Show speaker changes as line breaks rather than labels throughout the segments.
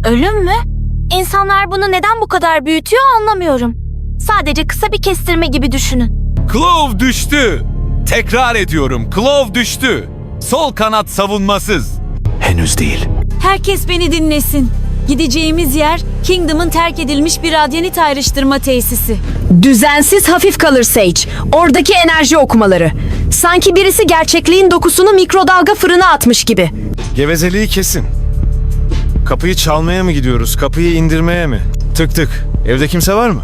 Ölüm mü? İnsanlar bunu neden bu kadar büyütüyor anlamıyorum. Sadece kısa bir kestirme gibi düşünün.
Clove düştü. Tekrar ediyorum, Clove düştü. Sol kanat savunmasız.
Henüz değil.
Herkes beni dinlesin. Gideceğimiz yer Kingdom'ın terk edilmiş bir radyanit ayrıştırma tesisi.
Düzensiz hafif kalır Sage. Oradaki enerji okumaları. Sanki birisi gerçekliğin dokusunu mikrodalga fırına atmış gibi.
Gevezeliği kesin. Kapıyı çalmaya mı gidiyoruz? Kapıyı indirmeye mi? Tık tık. Evde kimse var mı?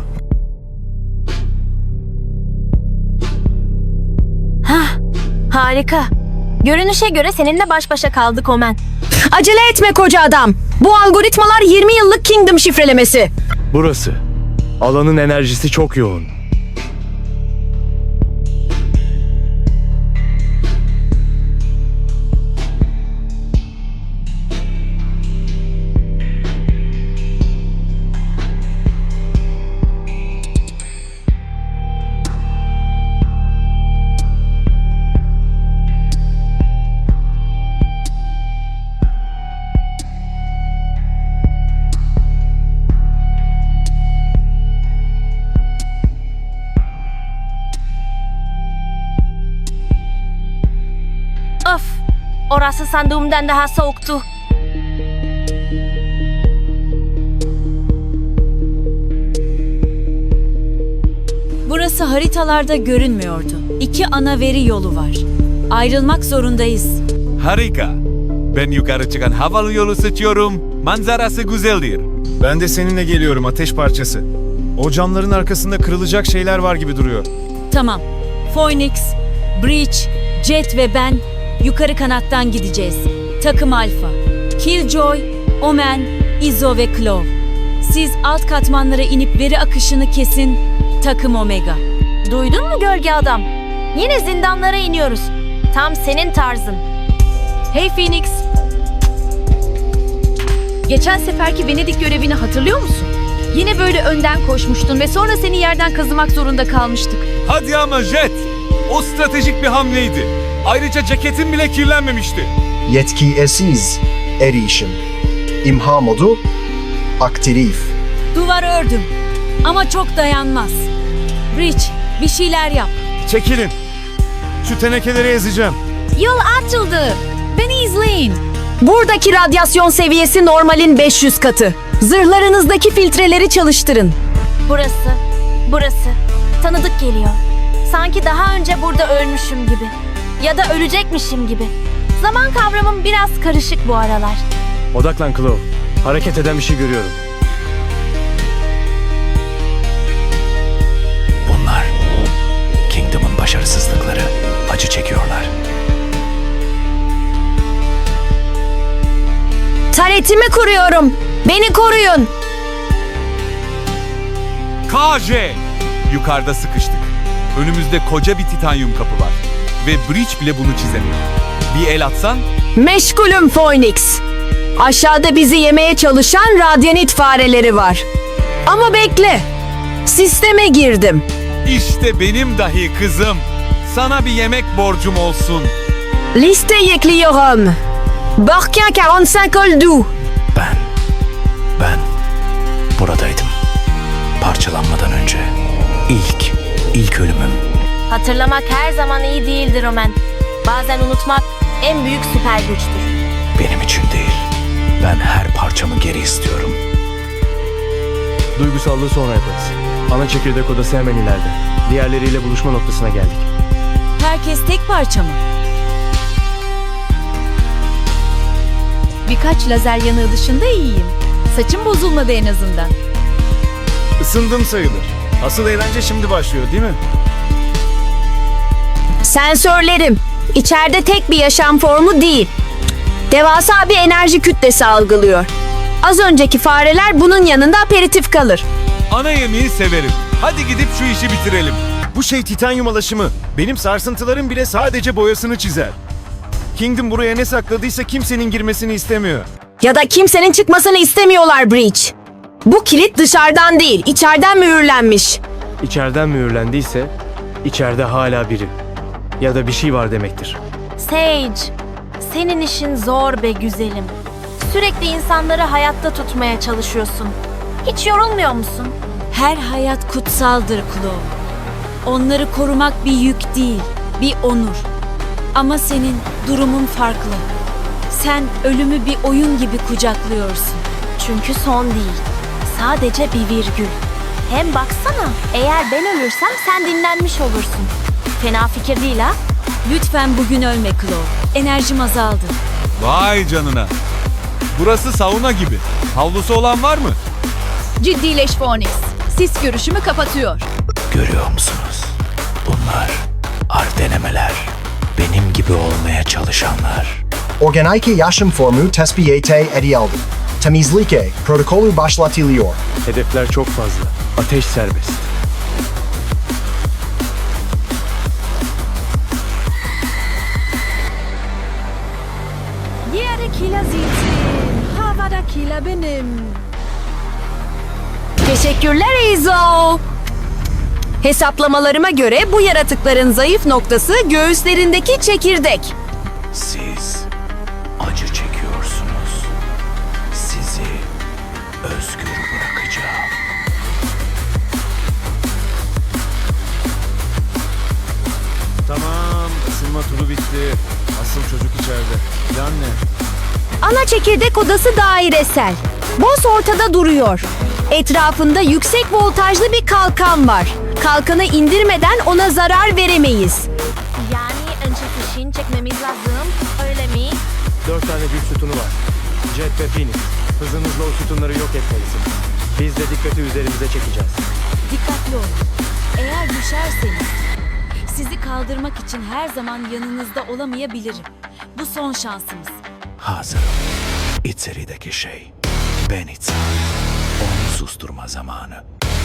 Harika. Görünüşe göre seninle baş başa kaldık Omen.
Acele etme koca adam. Bu algoritmalar 20 yıllık Kingdom şifrelemesi.
Burası. Alanın enerjisi çok yoğun.
Of! Orası sandığımdan daha soğuktu.
Burası haritalarda görünmüyordu. 2 ana veri yolu var. Ayrılmak zorundayız.
Harika. Ben yukarı çıkan havalı yolu seçiyorum. Manzarası güzeldir.
Ben de seninle geliyorum, ateş parçası. O camların arkasında kırılacak şeyler var gibi duruyor.
Tamam. Phoenix, Breach, Jet ve ben yukarı kanattan gideceğiz. Takım Alpha, Killjoy, Omen, Izzo ve Clove. Siz alt katmanlara inip veri akışını kesin. Takım Omega.
Duydun mu gölge adam? Yine zindanlara iniyoruz. Tam senin tarzın.
Hey Phoenix. Geçen seferki Venedik görevini hatırlıyor musun? Yine böyle önden koşmuştun ve sonra seni yerden kazımak zorunda kalmıştık.
Hadi ama Jet. O stratejik bir hamleydi. Ayrıca ceketin bile kirlenmemişti.
Yetki esiz erişim. İmha modu aktif.
Duvar ördüm. Ama çok dayanmaz. Breach, bir şeyler yap.
Çekilin. Şu tenekeleri ezeceğim.
Yol açıldı. Beni izleyin.
Buradaki radyasyon seviyesi normalin 500 katı. Zırhlarınızdaki filtreleri çalıştırın.
Burası. Tanıdık geliyor. Sanki daha önce burada ölmüşüm gibi. Ya da ölecekmişim gibi. Zaman kavramım biraz karışık bu aralar.
Odaklan Clove. Hareket eden bir şey görüyorum.
Bunlar Kingdom'un başarısızlıkları. Acı çekiyorlar.
Taretimi kuruyorum. Beni koruyun.
KJ! Yukarıda sıkıştık. Önümüzde koca bir titanyum kapı var. Ve Breach bile bunu çizemiyor. Bir el atsan?
Meşgulüm Phoenix. Aşağıda bizi yemeye çalışan radyanit fareleri var. Ama bekle. Sisteme girdim.
İşte benim dahi kızım. Sana bir yemek borcum olsun.
Liste ekliyorum. Barkin 45 oldu.
Ben buradaydım. Parçalanmadan önce. İlk ölümüm.
Hatırlamak her zaman iyi değildir Omen. Bazen unutmak en büyük süper güçtür.
Benim için değil. Ben her parçamı geri istiyorum.
Duygusallığı sonra yaparız. Ana çekirdek odası hemen ileride. Diğerleriyle buluşma noktasına geldik.
Herkes tek parça mı?
Birkaç lazer yanığı dışında iyiyim. Saçım bozulmadı en azından.
Isındım sayılır. Asıl eğlence şimdi başlıyor değil mi?
Sensörlerim. İçeride tek bir yaşam formu değil. Devasa bir enerji kütlesi algılıyor. Az önceki fareler bunun yanında aperatif kalır.
Ana yemeği severim. Hadi gidip şu işi bitirelim.
Bu şey titanyum alaşımı. Benim sarsıntılarım bile sadece boyasını çizer. Kingdom buraya ne sakladıysa kimsenin girmesini istemiyor.
Ya da kimsenin çıkmasını istemiyorlar Breach. Bu kilit dışarıdan değil, içeriden mühürlenmiş.
İçeriden mühürlendiyse içeride hala biri. Ya da bir şey var demektir.
Sage, senin işin zor be güzelim. sürekli insanları hayatta tutmaya çalışıyorsun. Hiç yorulmuyor musun?
Her hayat kutsaldır Chloe. Onları korumak bir yük değil, bir onur. Ama senin durumun farklı. Sen ölümü bir oyun gibi kucaklıyorsun.
Çünkü son değil. Sadece bir virgül. Hem baksana, eğer ben ölürsem sen dinlenmiş olursun. Fena fikir değil ha?
Lütfen bugün ölme Chloe. Enerjim azaldı.
Vay canına. Burası sauna gibi. Havlusu olan var mı?
Ciddileş Phoenix. Sis görüşümü kapatıyor.
Görüyor musunuz? Bunlar denemeler. Benim gibi olmaya çalışanlar.
Organike yaşam formu tespit edildi. Temizlik protokolü başlatılıyor.
Hedefler çok fazla. Ateş serbest.
Yerdekiler sizin, havadakiler benim.
Teşekkürler Izo. Hesaplamalarıma göre bu yaratıkların zayıf noktası göğüslerindeki çekirdek.
Siz acı çekiyorsunuz. Sizi özgür bırakacağım.
Tamam, ısınma turu bitti. Asıl çocuk içeride. Plan ne?
Ana çekirdek odası dairesel. Boss ortada duruyor. Etrafında yüksek voltajlı bir kalkan var. Kalkanı indirmeden ona zarar veremeyiz.
Yani önce fişini çekmemiz lazım, öyle mi?
4 tane güç sütunu var. Jet ve Phoenix. Hızınızla o sütunları yok etmelisiniz. Biz de dikkati üzerimize çekeceğiz.
Dikkatli olun. Eğer düşerseniz sizi kaldırmak için her zaman yanınızda olamayabilirim. Bu son şansımız.
Hazırım. İçerideki şey. Ben İtsan. Onu susturma zamanı.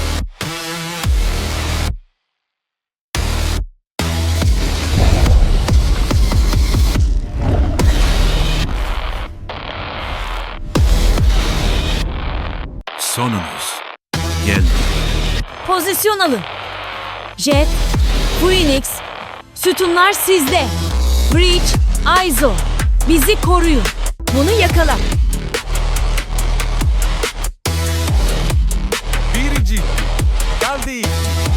Sonunuz. Geldi.
Pozisyon alın. Jet, Phoenix, sütunlar sizde. Breach, Izo, bizi koruyun.
Bunu yakala.
Birinci. Geldi.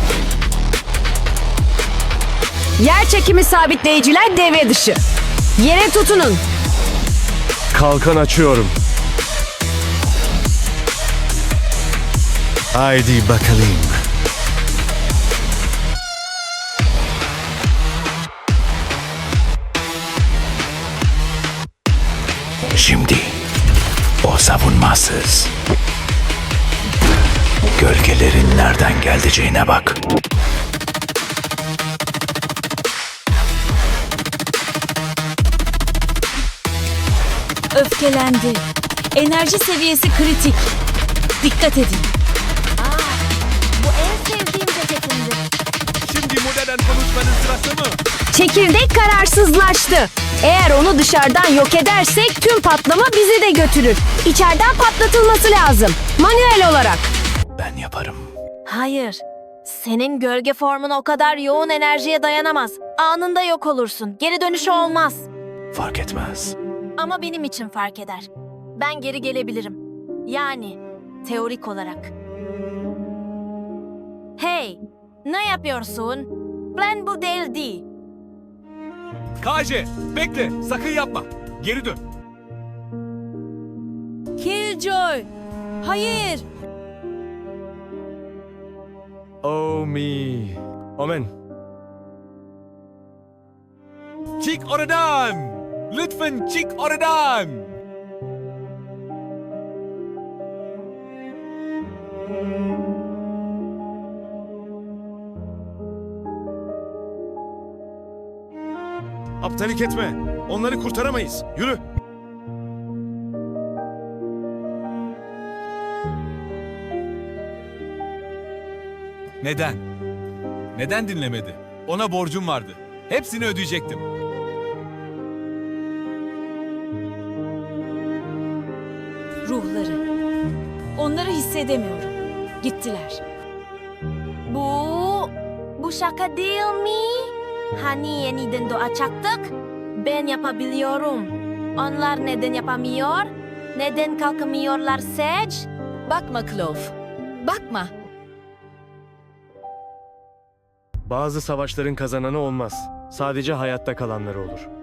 Yer çekimi sabitleyiciler devre dışı. Yere tutunun.
Kalkan açıyorum.
Haydi bakalım.
Şimdi o savunmasız. Gölgelerin nereden geleceğine bak.
Öfkelendi. Enerji seviyesi kritik. Dikkat edin.
Bu en sevdiğim ceketimdi.
Şimdi modern konuşmanın sırası mı?
Çekirdek kararsızlaştı. Eğer onu dışarıdan yok edersek tüm patlama bizi de götürür. İçeriden patlatılması lazım. Manuel olarak.
Ben yaparım.
Hayır. Senin gölge formun o kadar yoğun enerjiye dayanamaz. Anında yok olursun. Geri dönüşü olmaz.
Fark etmez.
Ama benim için fark eder. Ben geri gelebilirim. Yani teorik olarak. Hey, ne yapıyorsun? Plan bu değildi.
KJ, bekle. Sakın yapma. Geri dön.
Killjoy. Hayır.
Oh me. Omen.
Çık oradan. Lütfen çık oradan.
Aptalik etme. Onları kurtaramayız. Yürü.
Neden? Neden dinlemedi? Ona borcum vardı. Hepsini ödeyecektim.
Ruhları. Onları hissedemiyorum. Gittiler.
Bu şaka değil mi? Hani yeniden doğacaktık? Ben yapabiliyorum. Onlar neden yapamıyor? Neden kalkamıyorlar Sage?
Bakma Clove. Bakma.
Bazı savaşların kazananı olmaz. Sadece hayatta kalanları olur.